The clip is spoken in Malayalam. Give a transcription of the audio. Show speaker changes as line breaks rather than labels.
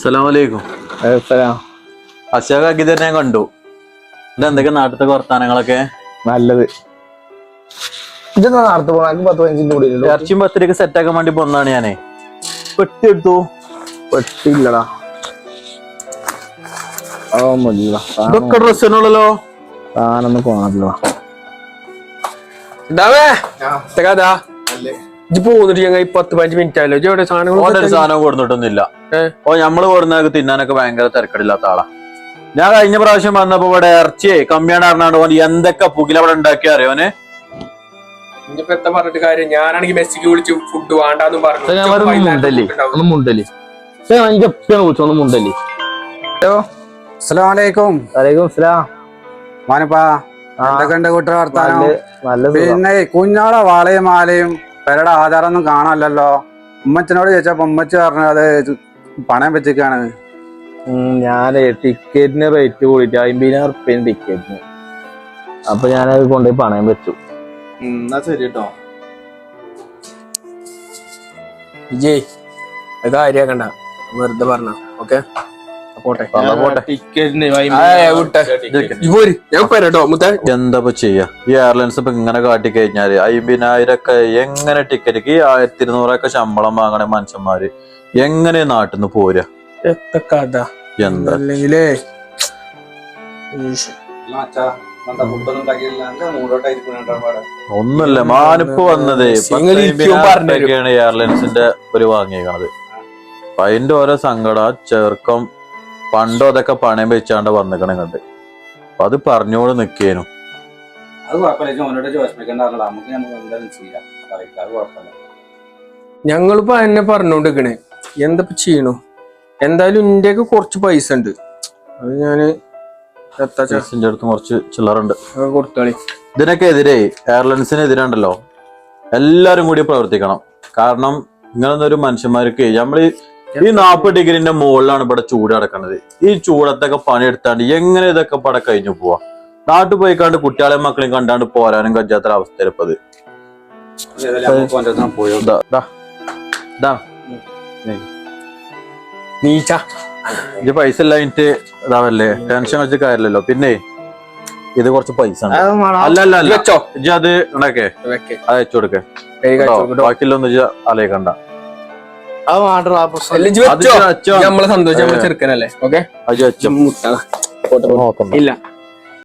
അസ്സലാമലൈക്കും. അശോകാക്കി തന്നെ കണ്ടു. ഇതെന്തൊക്കെ നാട്ടിലത്തെ വർത്താനങ്ങളൊക്കെ?
നല്ലത്. ഇതെന്താ നാളത്തെ പോകാൻ 10-15 കൂടി
ഇറച്ചിയും പത്തിരിക്ക് സെറ്റ് ആക്കാൻ വേണ്ടി പോന്നാണ് ഞാനേ. പെട്ടി എടുത്തു.
പെട്ടില്ലടാ.
ഇതൊക്കെ ഡ്രസ്സിനുള്ളല്ലോ.
താനൊന്ന് പോണല്ലോ.
പോന്നിട്ട് ഞങ്ങൾ 10-15 മിനിറ്റ് ആയല്ലോ. ഒരു
സാധനം കൊടുത്തിട്ടൊന്നുമില്ല. നമ്മള് കൊടുന്നതൊക്കെ തിന്നാനൊക്കെ ഭയങ്കര തിരക്കടില്ലാത്ത ആളാ. ഞാൻ കഴിഞ്ഞ പ്രാവശ്യം വന്നപ്പോ ഇവിടെ ഇറച്ചിയെ കമ്മിയാണ് അറിഞ്ഞാണ്ട് ഓൻ എന്തൊക്കെ പുകില അവിടെ ഉണ്ടാക്കി അറിയോനെ.
പറഞ്ഞിട്ട് കാര്യം ഞാനാണെങ്കിൽ മെസ്സിക്ക് വിളിച്ച് ഫുഡ് വേണ്ടാന്നും പറഞ്ഞു.
പിന്നെ കുഞ്ഞോടെ വാളയും മാലയും പെരയുടെ ആധാരമൊന്നും കാണാനല്ലോ. ഉമ്മച്ചനോട് ചോദിച്ചപ്പോ ഉമ്മച്ചി പറഞ്ഞു അത് പണയം വെച്ചിരിക്കാണ്.
ഞാന് ടിക്കറ്റിന് റേറ്റ് കൂടിയിട്ട് 50,000 റുപ്യ ടിക്കറ്റിന്. അപ്പൊ ഞാനത് കൊണ്ടുപോയി പണയം വെച്ചു.
എന്നാ ശരി കേട്ടോ.
വിജയ് കാര്യാക്കണ്ട, വെറുതെ പറഞ്ഞ. ഓക്കെ
എന്താ ചെയ്യാ? ഈ എയർലൈൻസ് ഇപ്പൊ ഇങ്ങനെ കാട്ടി കഴിഞ്ഞാല് 50,000 എങ്ങനെ ടിക്കറ്റ്, ഈ 1200 ശമ്പളം വാങ്ങണ മനുഷ്യന്മാര് എങ്ങനെ നാട്ടിൽ നിന്ന് പോരാ? എന്താ ഒന്നുമില്ല, മാനിപ്പ് വന്നത് എയർലൈൻസിന്റെ ഒരു വാങ്ങിയേക്കണത്. അപ്പൊ അതിന്റെ ഓരോ സങ്കട ചെറുക്കം പണ്ടോ അതൊക്കെ പണയം വെച്ചാണ്ട് വന്നിക്കണേ കണ്ട്. അപ്പൊ അത് പറഞ്ഞോട് നിക്കേനു.
ഞങ്ങളിപ്പോ എന്നെ പറഞ്ഞോണ്ടിരിക്കണേ എന്താ ചെയ്യണു. എന്തായാലും ഇന്ത്യക്ക് കുറച്ച് പൈസ ഉണ്ട്. അത് ഞാന്
അടുത്ത് കുറച്ച് ചില്ലറുണ്ട്,
കൊടുത്തോളി.
ഇതിനൊക്കെ എതിരെ എയർലൈൻസിന് എതിരുണ്ടല്ലോ എല്ലാരും കൂടി പ്രവർത്തിക്കണം. കാരണം ഇങ്ങനൊന്നൊരു മനുഷ്യന്മാർക്ക് നമ്മള് ഈ 40 ഡിഗ്രിന്റെ മുകളിലാണ് ഇവിടെ ചൂട് കിടക്കുന്നത്. ഈ ചൂടത്തൊക്കെ പണിയെടുത്താണ്ട് എങ്ങനെ ഇതൊക്കെ പട കഴിഞ്ഞു പോവാ? നാട്ടിൽ പോയിക്കാണ്ട് കുട്ടികളെയും മക്കളെയും കണ്ടാണ്ട് പോരാനും കഴിയാത്തൊരവസ്ഥ ഇപ്പത്. ഇത് പൈസ ഇല്ലാഞ്ഞിട്ട് ഇതാവല്ലേ, ടെൻഷൻ വെച്ച് കാര്യമല്ലോ. പിന്നെ ഇത് കുറച്ച് പൈസ അല്ല ഇജ്ജ് അത് ഉണ്ടാക്കേ, അത് വെച്ചു കൊടുക്കേ. ബാക്കിയുള്ളൊന്നും ഇജ്ജ് അലയിക്കണ്ട.
നമ്മളെ സന്തോഷം, നമ്മളെ ചെറുക്കനല്ലേ. ഓക്കെ
ഇല്ല